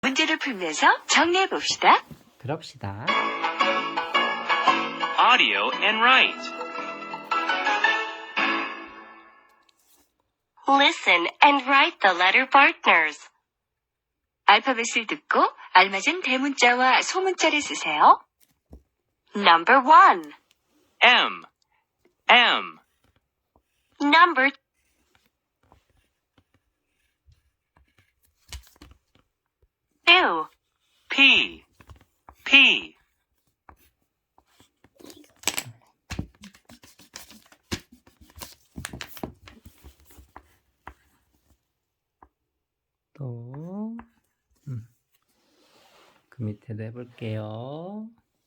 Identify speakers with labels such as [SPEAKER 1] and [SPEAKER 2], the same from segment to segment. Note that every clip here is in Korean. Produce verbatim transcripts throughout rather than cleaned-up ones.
[SPEAKER 1] 문제를 풀면서 정리해 봅시다.
[SPEAKER 2] 그럽시다.
[SPEAKER 3] Audio and write.
[SPEAKER 4] Listen and write the letter partners.
[SPEAKER 1] 알파벳을 듣고 알맞은 대문자와 소문자를 쓰세요.
[SPEAKER 4] Number one.
[SPEAKER 3] M. M.
[SPEAKER 4] Number two.
[SPEAKER 3] P. P.
[SPEAKER 2] 또, 음. 그 밑에도 해볼게요.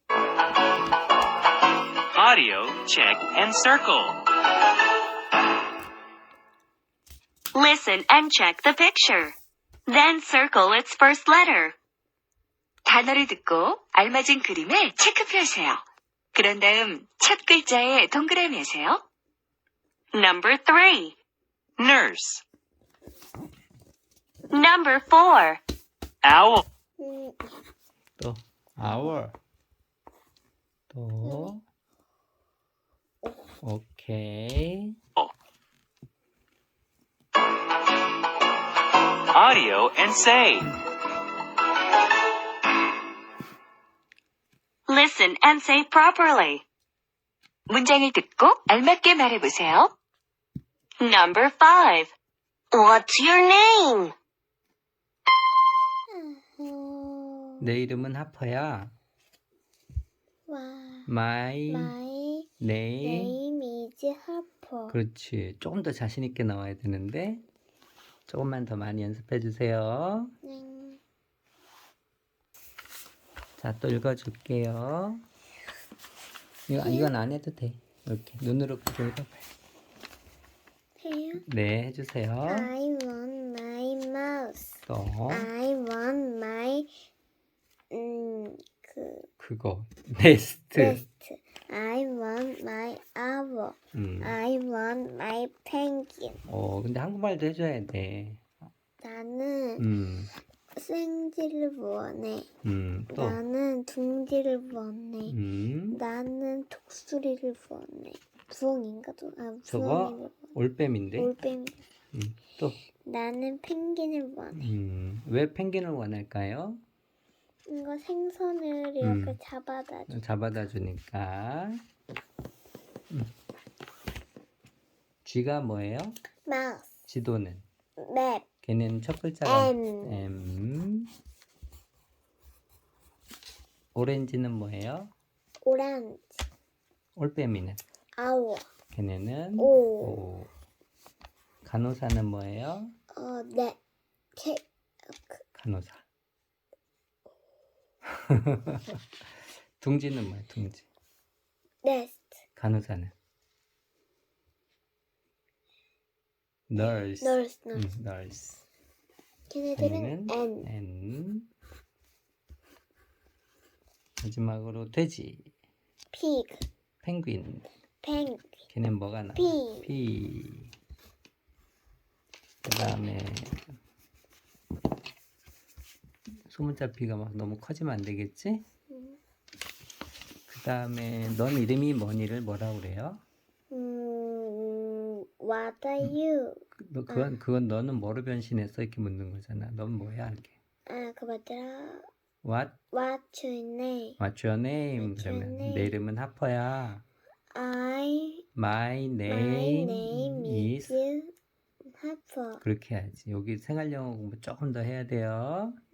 [SPEAKER 3] Audio, check, and circle.
[SPEAKER 4] Listen and check the picture. Then circle its first letter.
[SPEAKER 1] 단어를 듣고 알맞은 그림에 체크표 하세요. 그런 다음 첫 글자에 동그라미 하세요.
[SPEAKER 4] Number three.
[SPEAKER 3] Nurse.
[SPEAKER 4] Number four.
[SPEAKER 3] Owl.
[SPEAKER 2] 또, hour. 또, 오케이.
[SPEAKER 3] Audio and say.
[SPEAKER 4] Listen and say properly.
[SPEAKER 1] 문장을 듣고 알맞게 말해보세요.
[SPEAKER 4] Number five. What's your name?
[SPEAKER 2] 내 이름은 하퍼야.
[SPEAKER 5] 와,
[SPEAKER 2] My
[SPEAKER 5] my
[SPEAKER 2] name.
[SPEAKER 5] name is Harper.
[SPEAKER 2] 그렇지. 조금 더 자신 있게 나와야 되는데 조금만 더 많이 연습해 주세요.
[SPEAKER 5] 네.
[SPEAKER 2] 자, 또 읽어줄게요. 이거, 이건 안 해도 돼. 이렇게 눈으로 그려 읽어봐요.
[SPEAKER 5] 해요?
[SPEAKER 2] 네, 해주세요.
[SPEAKER 5] I want my mouse.
[SPEAKER 2] 또
[SPEAKER 5] I want my 음, 그
[SPEAKER 2] 그거 네스트.
[SPEAKER 5] nest. I want my owl.
[SPEAKER 2] 음.
[SPEAKER 5] I want my penguin.
[SPEAKER 2] 어, 근데 한국말도 해줘야 돼.
[SPEAKER 5] 나는
[SPEAKER 2] 음,
[SPEAKER 5] 생지를 원해.
[SPEAKER 2] 음, 또,
[SPEAKER 5] 나는 둥지를 원해.
[SPEAKER 2] 음,
[SPEAKER 5] 나는 독수리를 원해. 부엉인가? 도- 아,
[SPEAKER 2] 저거
[SPEAKER 5] 부엉이를
[SPEAKER 2] 올빼미인데.
[SPEAKER 5] 원해. 올빼미.
[SPEAKER 2] 음, 또,
[SPEAKER 5] 나는 펭귄을 원해.
[SPEAKER 2] 음, 왜 펭귄을 원할까요?
[SPEAKER 5] 이거 생선을
[SPEAKER 2] 음.
[SPEAKER 5] 이렇게 잡아다 줘.
[SPEAKER 2] 잡아다 주니까. 음. G가 뭐예요?
[SPEAKER 5] 마우스,
[SPEAKER 2] 지도는.
[SPEAKER 5] 맵,
[SPEAKER 2] 걔는 첫 글자가
[SPEAKER 5] M.
[SPEAKER 2] M. 오렌지는 뭐예요?
[SPEAKER 5] 오렌지,
[SPEAKER 2] 올빼미는.
[SPEAKER 5] 아워,
[SPEAKER 2] 걔네는
[SPEAKER 5] 오,
[SPEAKER 2] O. 간호사는 뭐예요?
[SPEAKER 5] 어, 네, 케,
[SPEAKER 2] 간호사. 둥지는 뭐예요? 둥지.
[SPEAKER 5] 네스트,
[SPEAKER 2] 간호사는 nurse.
[SPEAKER 5] 널스,
[SPEAKER 2] 음,
[SPEAKER 5] 널스.
[SPEAKER 2] nurse.
[SPEAKER 5] 걔네들은
[SPEAKER 2] 걔네는
[SPEAKER 5] N,
[SPEAKER 2] N. 마지막으로 돼지.
[SPEAKER 5] 피그,
[SPEAKER 2] 펭귄.
[SPEAKER 5] 펭,
[SPEAKER 2] 걔는 뭐가 나와?
[SPEAKER 5] P.
[SPEAKER 2] P. 그 다음에 소문자 P가 막 너무 커지면 안 되겠지?
[SPEAKER 5] 음,
[SPEAKER 2] 그 다음에 넌 이름이 뭐니를 뭐라 그래요?
[SPEAKER 5] 음, what are you?
[SPEAKER 2] 그- 너 그건 그건 너는 뭐로 변신했어 이렇게 묻는 거잖아. 넌 뭐야 이렇게.
[SPEAKER 5] 아, 그 맞더라.
[SPEAKER 2] What?
[SPEAKER 5] What's your name?
[SPEAKER 2] What's your name?
[SPEAKER 5] What's your
[SPEAKER 2] 그러면
[SPEAKER 5] name?
[SPEAKER 2] 내 이름은 하퍼야.
[SPEAKER 5] I,
[SPEAKER 2] My
[SPEAKER 5] my
[SPEAKER 2] name,
[SPEAKER 5] name
[SPEAKER 2] is
[SPEAKER 5] is Harper.
[SPEAKER 2] 그렇게 해야지. 여기 생활 영어 공부 조금 더 해야 돼요.